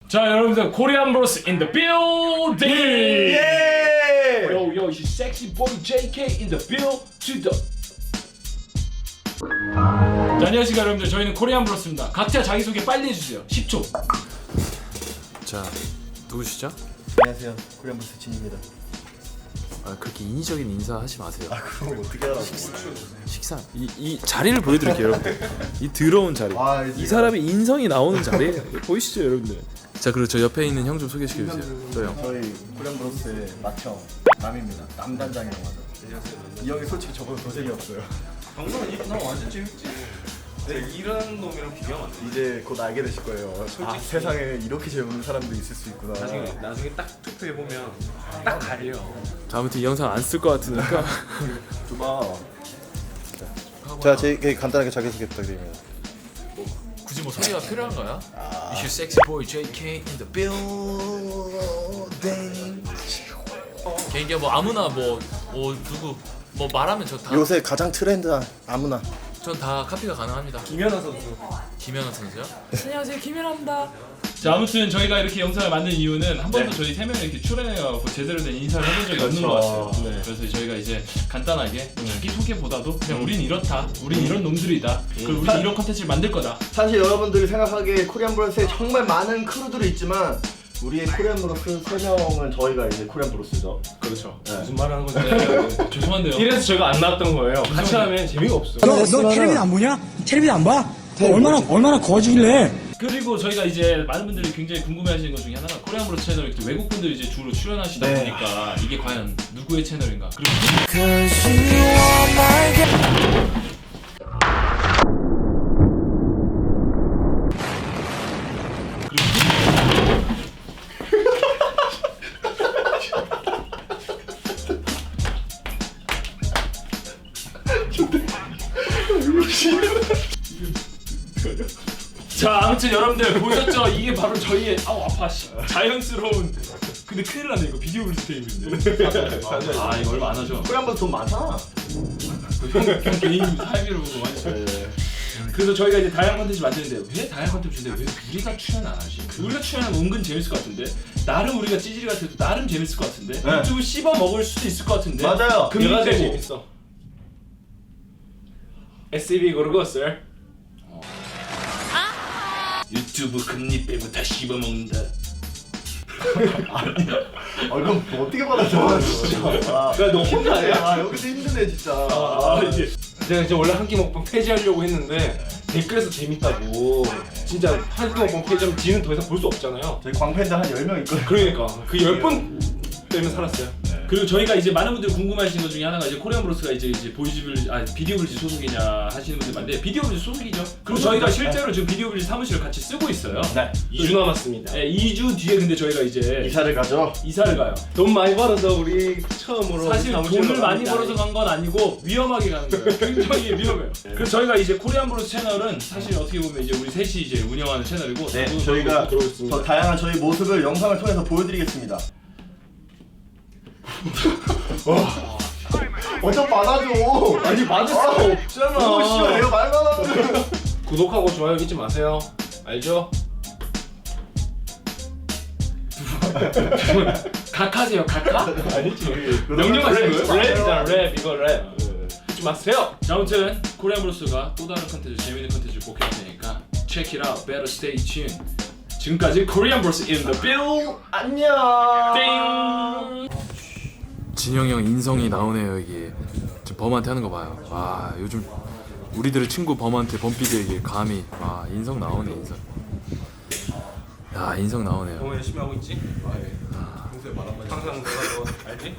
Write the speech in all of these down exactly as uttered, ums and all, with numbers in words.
자 여러분들 코리안 브로스 in the building. 예! Yo yo, it's sexy boy 제이 케이 in the build to the. 자, 안녕하십니까 여러분들, 저희는 코리안 브로스입니다. 각자 자기소개 빨리 해주세요. 십 초. 자, 누구시죠? 안녕하세요. 코리안 브로스 진입니다. 아, 그렇게 인위적인 인사 하지 마세요. 아 그럼 어떻게 알아? 식사 이, 이 자리를 보여드릴게요, 여러분. 이 더러운 자리. 아, 이 사람의 인성이 나오는 자리 보이시죠, 여러분들? 자, 그리고 저 옆에 있는 형 좀 소개시켜 주세요. 저 형. 저희 코리안 브로스의 맏형 남입니다. 남단장이라고 하죠. 이 형이 솔직히 저보다 더 재미없어요. 방송은 나 완전 재밌지. 내 이런 놈이랑 비교하면 안 돼. 이제 곧 알게 되실 거예요. 솔직히 아, 세상에 이렇게 재밌는 사람도 있을 수 있구나. 나중에 나중에 딱 투표해 보면 딱 가려. 자, 아무튼 이 영상 안 쓸 것 같으니까. 주마. 자, 제 간단하게 자기소개 부탁드립니다. 굳이 뭐 소개가 필요한가요? 아. It's your sexy boy 제이 케이 in the building. 개인기가 뭐 아무나 뭐, 뭐 누구 뭐 말하면 저 다 요새 가장 트렌드한 아무나. 전 다 카피가 가능합니다. 김연아 선수. 김연아 선수요? 안녕하세요, 김연아입니다. 자, 아무튼 저희가 이렇게 영상을 만든 이유는 한 번도 저희 세 명이 이렇게 출연해갖고 제대로 된 인사를 해본 적이 없는 것 같아요. 네. 그래서 저희가 이제 간단하게 자기 소개보다도 그냥 우린 이렇다, 우린 이런 놈들이다, 그리고 우린 이런 컨텐츠를 만들 거다. 사실 여러분들이 생각하기에 코리안 브로스에 정말 많은 크루들이 있지만 우리의 코리안 브로스 세 명은 저희가 이제 코리안 브로스죠. 그렇죠. 무슨 말 하는 건지. 네, 죄송한데요. 이래서 저희가 안 나왔던 거예요. 같이 하면 재미가 없어. 너, 너 텔레비전 안 보냐? 텔레비전 안 봐? 너 얼마나 얼마나 거지길래? 그리고 저희가 이제 많은 분들이 굉장히 궁금해하시는 것 중에 하나가 코리안 브로스 채널에 또 외국 분들이 이제 주로 출연하시다 네. 보니까 이게 과연 누구의 채널인가? 그리고 자, 아무튼 여러분들 보셨죠? 이게 바로 저희의 아우 아파 씨 자연스러운. 근데 큰일 났네, 이거 비디오 블리스 테이블인데. 아, 이거 얼마 안 하죠? 코리안 브로스 돈 많잖아. 형, 형 개인 사회비로 보고 많이. 그래서 저희가 이제 다양한 컨텐츠 만드는데 왜 다양한 컨텐츠인데 왜 우리가 출연 안 하지? 우리가 출연하면 은근 재밌을 것 같은데, 나름 우리가 찌질이 같아도 나름 재밌을 것 같은데, 네. 유튜브 씹어 먹을 수도 있을 것 같은데. 맞아요. 내가 제일 금리되고. 재밌어. 에스이비 고르고스. 유튜브 금리 빼고 다 씹어 먹는다. 아 그럼 뭐 어떻게 받아줘 진짜. 아, 야, 너 혼자 해? 아 여기서 힘드네 진짜. 아, 이제 제가 이제 원래 한 끼 먹방 폐지하려고 했는데 댓글에서 재밌다고. 진짜 한 끼 먹방 폐지하면 지는 더 이상 볼 수 없잖아요. 저희 광팬들 한 열 명 있거든. 그러니까 그 열 번 때문에 살았어요. 그리고 저희가 이제 많은 분들이 궁금해하시는 것 중에 하나가 이제 코리안 브로스가 이제 이제 보이즈블 아 비디오 블리즈 소속이냐 하시는 분들 많은데, 비디오 블리즈 소속이죠. 그리고 저희가 실제로 지금 비디오 블리즈 사무실을 같이 쓰고 있어요. 네. 이 주 남았습니다. 네, 이 주 뒤에 근데 저희가 이제 이사를 가죠. 이사를 가요. 돈 많이 벌어서 우리 처음으로 사실 사무실로 돈을 많이 갑니다. 벌어서 간 건 아니고 위험하게 가는 거예요. 굉장히 위험해요. 그래서 저희가 이제 코리안 브로스 채널은 사실 어떻게 보면 이제 우리 셋이 이제 운영하는 채널이고, 네, 저도 저희가 들어오고 있습니다. 더 다양한 저희 모습을 영상을 통해서 보여드리겠습니다. 어쩜 받아줘. 아니 받을 수가 없잖아. 오 씨발 내가 말만 하면. 구독하고 좋아요 잊지 마세요. 알죠? 각하세요, 각하? 아니지. 명령하시는 거예요? 랩이잖아 랩. 이거 랩. 잊지 마세요. 자, 아무튼 코리안 브로스가 또 다른 컨텐츠, 재밌는 컨텐츠를 꼭 해야 되니까 check it out, better stay tuned. 지금까지 코리안 브로스 in the build. 안녕. 띵. 진영이 형 인성이 나오네요, 이게. 지금 범한테 하는 거 봐요. 와, 요즘 우리들의 친구 범한테 범피디에게 감히 와, 인성 나오네, 인성. 야, 인성 나오네요. 너무 열심히 하고 있지? 평소에 말한 말 항상 내가 너 알지?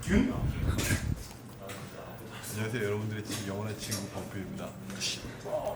안녕하세요, 여러분들의 지금 영원한 친구 범프입니다.